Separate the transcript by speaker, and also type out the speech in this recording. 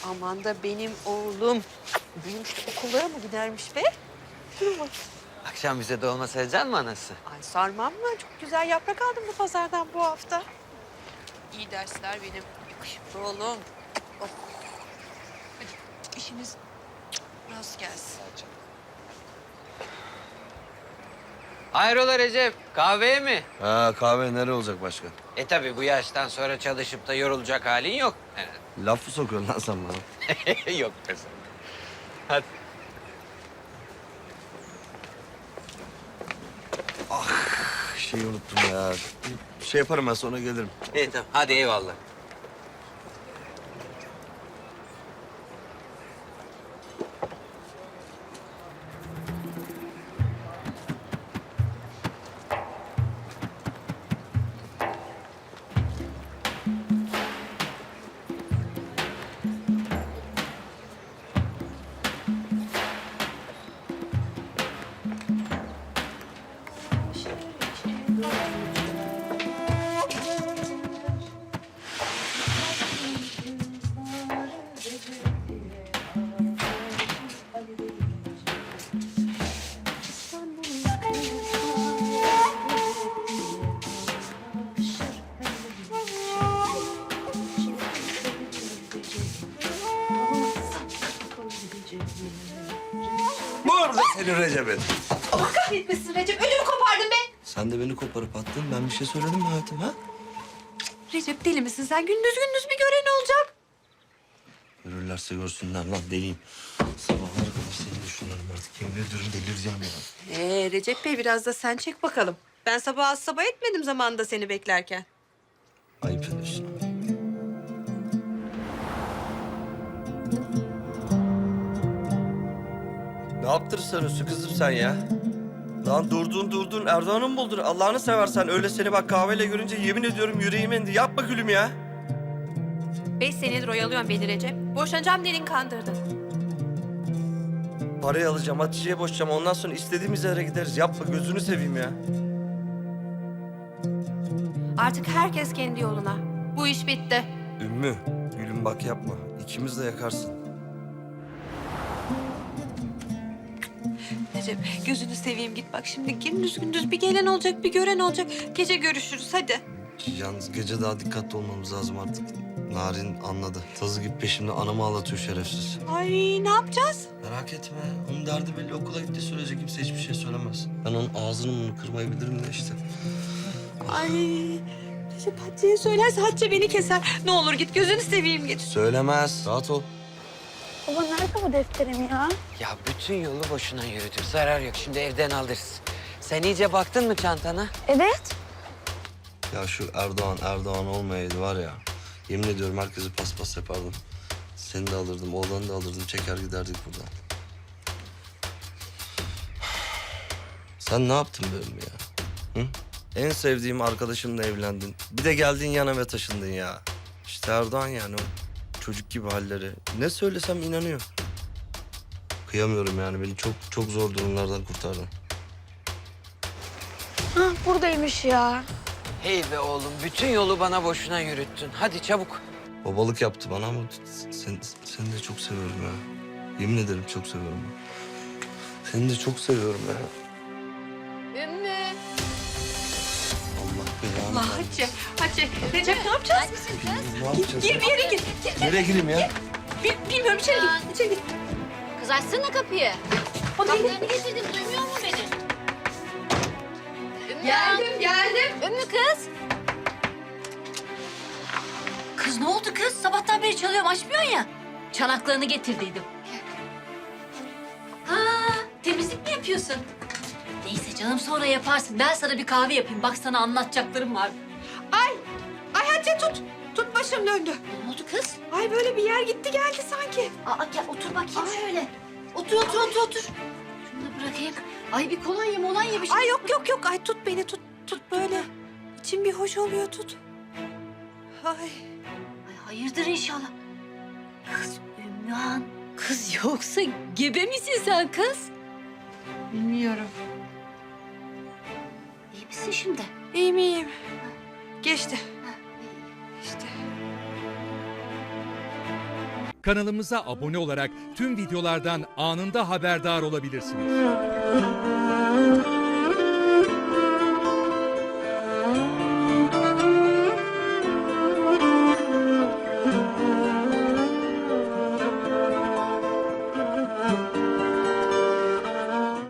Speaker 1: Aman da benim oğlum. Büyümüş de okullara mı gidermiş be? Dur bak.
Speaker 2: Akşam bize dolma sereceksin mi anası?
Speaker 1: Ay sarmam mı? Çok güzel yaprak aldım bu pazardan bu hafta. İyi dersler benim yakışıklı oğlum. Oh. Hadi işiniz rast gelsin.
Speaker 2: Hayrola Recep, kahveye mi?
Speaker 3: Ha kahve nereye olacak başka?
Speaker 2: Tabii bu yaştan sonra çalışıp da yorulacak halin yok.
Speaker 3: Laf mı sokuyorsun lan sen bana?
Speaker 2: Yok be sen. Hadi.
Speaker 3: Şeyi unuttum ya. Bir şey yaparım ben sonra gelirim.
Speaker 2: İyi tamam, hadi eyvallah.
Speaker 3: Burada senin Recep'in.
Speaker 1: Allah kahretmesin Recep. Ödümü kopardın be.
Speaker 3: Sen de beni koparıp attın. Ben bir şey söyledim mi hayatım ha?
Speaker 1: Recep deli misin sen? Gündüz gündüz bir gören olacak.
Speaker 3: Görürlerse görsünler lan deliyim. Sabahlara kadar seni düşünüyorum artık. Yemin ediyorum delireceğim ya.
Speaker 1: Recep Bey biraz da sen çek bakalım. Ben sabah az sabah etmedim zamanında seni beklerken.
Speaker 3: Ayıp ediyorsun. Ne yaptırırsan kızım sen ya? Lan durdun Erdoğan'ı mı buldun? Allah'ını seversen öyle seni bak kahveyle görünce yemin ediyorum yüreğim indi. Yapma gülüm ya.
Speaker 1: 5 senedir oyalıyorsun beni Recep. Boşanacağım dedin kandırdın.
Speaker 3: Parayı alacağım, Hatice'ye boşayacağım. Ondan sonra istediğimiz yere gideriz. Yapma gözünü seveyim ya.
Speaker 1: Artık herkes kendi yoluna. Bu iş bitti.
Speaker 3: Ümmü, gülüm bak yapma. İkimiz de yakarsın.
Speaker 1: Recep gözünü seveyim git bak şimdi gündüz gündüz bir gelen olacak bir gören olacak. Gece görüşürüz hadi.
Speaker 3: Yalnız gece daha dikkatli olmamız lazım artık. Narin anladı. Tazı gibi peşimde anamı ağlatıyor şerefsiz.
Speaker 1: Ay ne yapacağız?
Speaker 3: Merak etme. Onun derdi belli. Okula gittiği sürece kimse hiçbir şey söylemez. Ben onun ağzını bunu kırmayı bilirim de işte.
Speaker 1: Ay Recep Hatice'ye söylerse Hatice beni keser. Ne olur git gözünü seveyim git.
Speaker 3: Söylemez. Rahat ol.
Speaker 4: Baba nerede bu defterim ya?
Speaker 2: Ya bütün yolu boşuna yürüdük, zarar yok. Şimdi evden alırız. Sen iyice baktın mı çantana?
Speaker 4: Evet.
Speaker 3: Ya şu Erdoğan olmayaydı var ya. Yemin ediyorum herkesi paspas yapardım. Seni de alırdım, oğlanı da alırdım. Çeker giderdik buradan. Sen ne yaptın benim ya? Hı? En sevdiğim arkadaşımla evlendin. Bir de geldin yanıma taşındın ya. İşte Erdoğan yani o çocuk gibi halleri. Ne söylesem inanıyor. Kıyamıyorum yani beni çok zor durumlardan kurtardın.
Speaker 4: Hah buradaymış ya.
Speaker 2: Hey be oğlum, bütün yolu bana boşuna yürüttün. Hadi çabuk.
Speaker 3: Babalık yaptı bana ama seni de çok seviyorum ya. Yemin ederim çok seviyorum. Seni de çok seviyorum ya.
Speaker 4: Ümmü.
Speaker 3: Allah belanı.
Speaker 1: Allah Hatice. Recep ne yapacağız?
Speaker 3: Ne yapacağız?
Speaker 1: Gir bir yere gir.
Speaker 3: Nereye gireyim ya?
Speaker 1: Bilmiyorum içeri gir. İçeri gir.
Speaker 4: Kız açsana kapıyı. Kapılarını getirdim duymuyor mu beni? Ümmü.
Speaker 1: Geldim.
Speaker 4: Ümmü kız. Kız ne oldu kız? Sabahtan beri çalıyorum açmıyorsun ya. Çanaklarını getirdiydim. Ha, temizlik mi yapıyorsun? Neyse canım sonra yaparsın. Ben sana bir kahve yapayım. Bak sana anlatacaklarım var.
Speaker 1: Ay Hatice tut. Tut başım döndü.
Speaker 4: Ne oldu kız?
Speaker 1: Ay böyle bir yer gitti geldi sanki.
Speaker 4: Aa gel otur bakayım şöyle. Otur. Şunu da bırakayım. Ay bir kolonya bir şey.
Speaker 1: Ay yok. Ay tut beni tut. Tut böyle. İçim bir hoş oluyor tut. Ay.
Speaker 4: Ay hayırdır inşallah. Kız Ümmühan. Kız yoksa gebe misin sen kız?
Speaker 1: Bilmiyorum.
Speaker 4: İyi misin şimdi?
Speaker 1: İyiyim. Geçti.
Speaker 4: Ha, iyi.
Speaker 1: İşte.
Speaker 5: Kanalımıza abone olarak tüm videolardan anında haberdar olabilirsiniz.